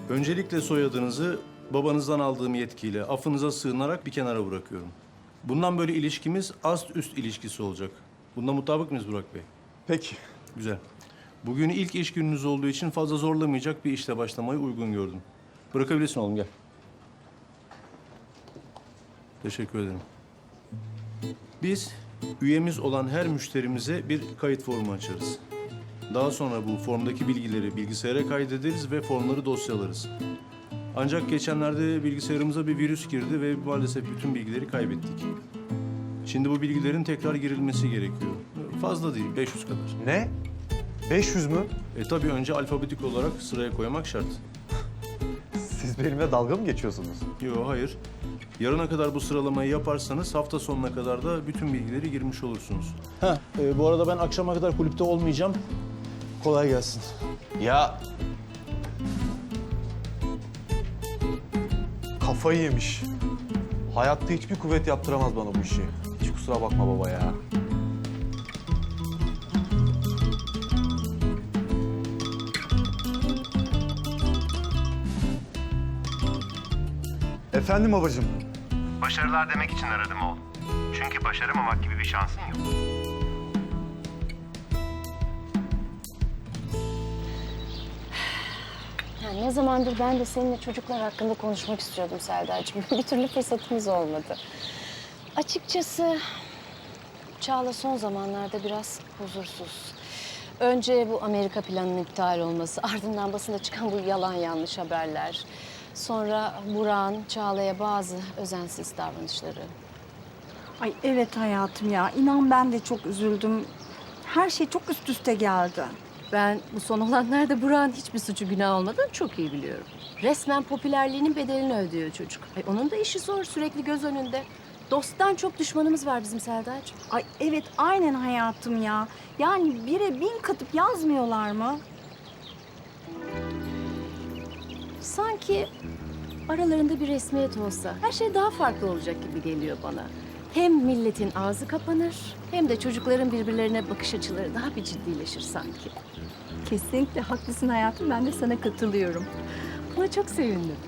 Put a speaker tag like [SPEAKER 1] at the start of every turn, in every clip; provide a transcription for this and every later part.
[SPEAKER 1] Öncelikle soyadınızı babanızdan aldığım yetkiyle affınıza sığınarak bir kenara bırakıyorum. Bundan böyle ilişkimiz ast üst ilişkisi olacak. Bunda mutabık mıyız Burak Bey?
[SPEAKER 2] Peki.
[SPEAKER 1] Güzel. Bugün ilk iş gününüz olduğu için fazla zorlamayacak bir işle başlamayı uygun gördüm. Bırakabilirsin oğlum, gel. Teşekkür ederim. Biz üyemiz olan her müşterimize bir kayıt formu açarız. Daha sonra bu formdaki bilgileri bilgisayara kaydederiz ve formları dosyalarız. Ancak geçenlerde bilgisayarımıza bir virüs girdi ve maalesef bütün bilgileri kaybettik. Şimdi bu bilgilerin tekrar girilmesi gerekiyor. Fazla değil, 500 kadar.
[SPEAKER 2] Ne? 500 mü?
[SPEAKER 1] Tabii önce alfabetik olarak sıraya koymak şart.
[SPEAKER 2] Siz benimle dalga mı geçiyorsunuz?
[SPEAKER 1] Yok, hayır. Yarına kadar bu sıralamayı yaparsanız hafta sonuna kadar da bütün bilgileri girmiş olursunuz. Bu arada ben akşama kadar kulüpte olmayacağım. Kolay gelsin.
[SPEAKER 2] Ya... Kafayı yemiş. Hayatta hiçbir kuvvet yaptıramaz bana bu işi. Hiç kusura bakma baba ya. Efendim babacığım.
[SPEAKER 3] Başarılar demek için aradım oğlum. Çünkü başaramamak gibi bir şansın yok.
[SPEAKER 4] Ya ne zamandır ben de seninle çocuklar hakkında konuşmak istiyordum Serdar'cığım. Bir türlü fırsatımız olmadı. Açıkçası Çağla son zamanlarda biraz huzursuz. Önce bu Amerika planının iptal olması, ardından basında çıkan bu yalan yanlış haberler. Sonra Burak'ın Çağla'ya bazı özensiz davranışları.
[SPEAKER 5] Ay evet hayatım ya. İnan ben de çok üzüldüm. Her şey çok üst üste geldi.
[SPEAKER 4] Ben bu son olanlarda Burak'ın hiçbir suçu günah olmadığını çok iyi biliyorum. Resmen popülerliğinin bedelini ödüyor çocuk. Ay onun da işi zor, sürekli göz önünde. Dosttan çok düşmanımız var bizim Serdar'cığım.
[SPEAKER 5] Ay evet aynen hayatım ya. Yani 1'e 1000 katıp yazmıyorlar mı?
[SPEAKER 4] Sanki aralarında bir resmiyet olsa her şey daha farklı olacak gibi geliyor bana. Hem milletin ağzı kapanır hem de çocukların birbirlerine bakış açıları daha bir ciddileşir sanki.
[SPEAKER 5] Kesinlikle haklısın hayatım. Ben de sana katılıyorum.
[SPEAKER 4] Buna çok sevindim.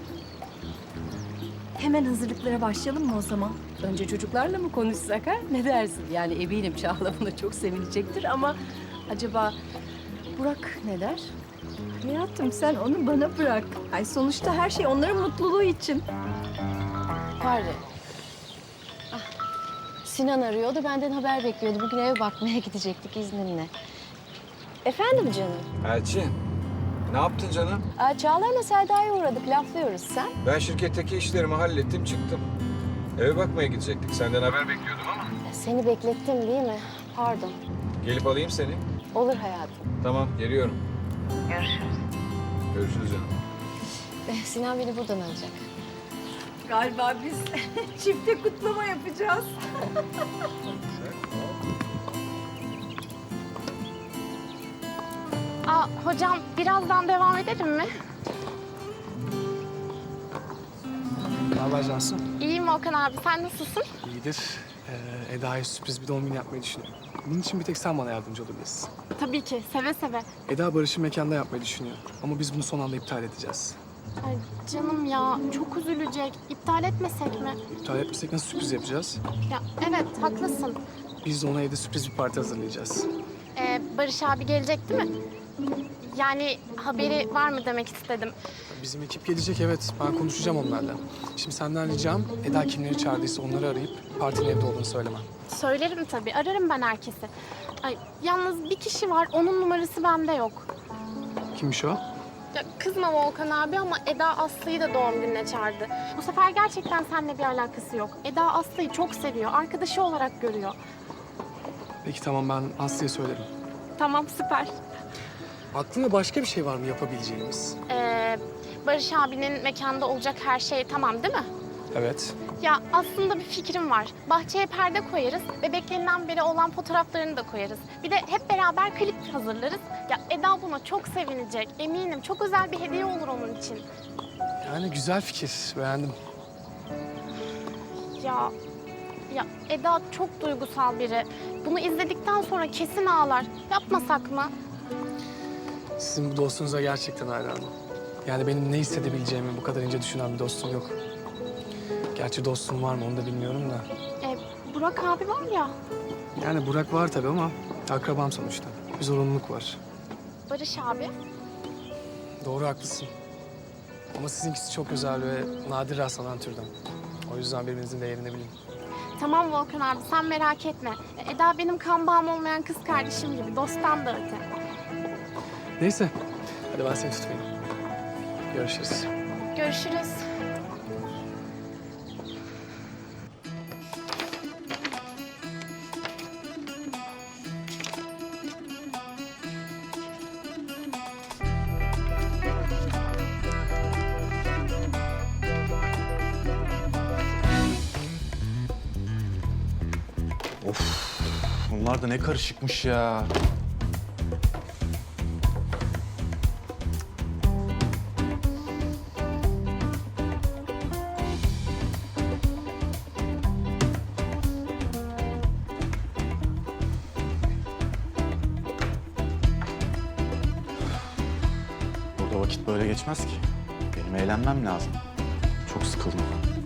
[SPEAKER 5] Hemen hazırlıklara başlayalım mı o zaman?
[SPEAKER 4] Önce çocuklarla mı konuşsak ha? Ne dersin? Yani eminim Çağla buna çok sevinecektir ama acaba Burak ne der?
[SPEAKER 5] Hayatım sen onu bana bırak. Ay sonuçta her şey onların mutluluğu için.
[SPEAKER 4] Pardon. Ah, Sinan arıyordu, benden haber bekliyordu. Bugün eve bakmaya gidecektik izninle. Efendim canım?
[SPEAKER 6] Elçin, ne yaptın canım?
[SPEAKER 4] Çağla'yla Selda'ya uğradık, laflıyoruz. Sen?
[SPEAKER 6] Ben şirketteki işlerimi hallettim, çıktım. Eve bakmaya gidecektik. Senden haber bekliyordum ama.
[SPEAKER 4] Seni beklettim değil mi? Pardon.
[SPEAKER 6] Gelip alayım seni.
[SPEAKER 4] Olur hayatım.
[SPEAKER 6] Tamam, geliyorum.
[SPEAKER 4] Görüşürüz.
[SPEAKER 6] Görüşürüz canım.
[SPEAKER 4] Sinan beni buradan alacak.
[SPEAKER 5] Galiba biz çifte kutlama yapacağız.
[SPEAKER 7] Hocam birazdan devam edelim mi?
[SPEAKER 8] Ne haber Cansu?
[SPEAKER 7] İyiyim Volkan abi, sen nasılsın?
[SPEAKER 8] İyidir. Eda'ya sürpriz bir doğum günü yapmayı düşünüyorum. Bunun için bir tek sen bana yardımcı olabilirsin.
[SPEAKER 7] Tabii ki, seve seve.
[SPEAKER 8] Eda Barış'ı mekanda yapmayı düşünüyor. Ama biz bunu son anda iptal edeceğiz.
[SPEAKER 7] Ay canım ya, çok üzülecek. İptal etmesek mi?
[SPEAKER 8] İptal etmesek nasıl sürpriz yapacağız?
[SPEAKER 7] Ya evet, haklısın.
[SPEAKER 8] Biz de ona evde sürpriz bir parti hazırlayacağız.
[SPEAKER 7] Barış abi gelecek değil mi? Yani haberi var mı demek istedim.
[SPEAKER 8] Bizim ekip gelecek, evet. Ben konuşacağım onlarla. Şimdi senden ricam Eda kimleri çağırdıysa onları arayıp partinin evde olduğunu söylemen.
[SPEAKER 7] Söylerim tabii, ararım ben herkesi. Ay yalnız bir kişi var, onun numarası bende yok.
[SPEAKER 8] Kimmiş o?
[SPEAKER 7] Ya kızma Volkan abi ama Eda Aslı'yı da doğum gününe çağırdı. Bu sefer gerçekten seninle bir alakası yok. Eda Aslı'yı çok seviyor, arkadaşı olarak görüyor.
[SPEAKER 8] Peki tamam, ben Aslı'ya söylerim.
[SPEAKER 7] Tamam, süper.
[SPEAKER 8] Aklında başka bir şey var mı yapabileceğimiz?
[SPEAKER 7] Barış abinin mekanda olacak her şey tamam değil mi?
[SPEAKER 8] Evet.
[SPEAKER 7] Ya aslında bir fikrim var. Bahçeye perde koyarız, bebeklerinden beri olan fotoğraflarını da koyarız. Bir de hep beraber klip hazırlarız. Ya Eda buna çok sevinecek, eminim. Çok özel bir hediye olur onun için.
[SPEAKER 8] Yani güzel fikir, beğendim.
[SPEAKER 7] Ya Eda çok duygusal biri. Bunu izledikten sonra kesin ağlar. Yapmasak mı?
[SPEAKER 8] Sizin bu dostunuza gerçekten hayranım. Yani benim ne hissedebileceğimi bu kadar ince düşünen bir dostum yok. Gerçi dostum var mı onu da bilmiyorum da.
[SPEAKER 7] Burak abi var ya,
[SPEAKER 8] Yani Burak var tabii ama akrabam sonuçta. Bir zorunluluk var.
[SPEAKER 7] Barış abi.
[SPEAKER 8] Doğru haklısın. Ama sizinkisi çok özel ve nadir rastlanan türden. O yüzden birbirinizin değerini bilin.
[SPEAKER 7] Tamam Volkan abi, sen merak etme. Eda benim kan bağım olmayan kız kardeşim gibi, dosttan da öte.
[SPEAKER 8] Neyse. Hadi ben seni tutmayayım. Görüşürüz.
[SPEAKER 7] Görüşürüz.
[SPEAKER 2] Bunlar da ne karışıkmış ya. Burada vakit böyle geçmez ki. Benim eğlenmem lazım. Çok sıkıldım.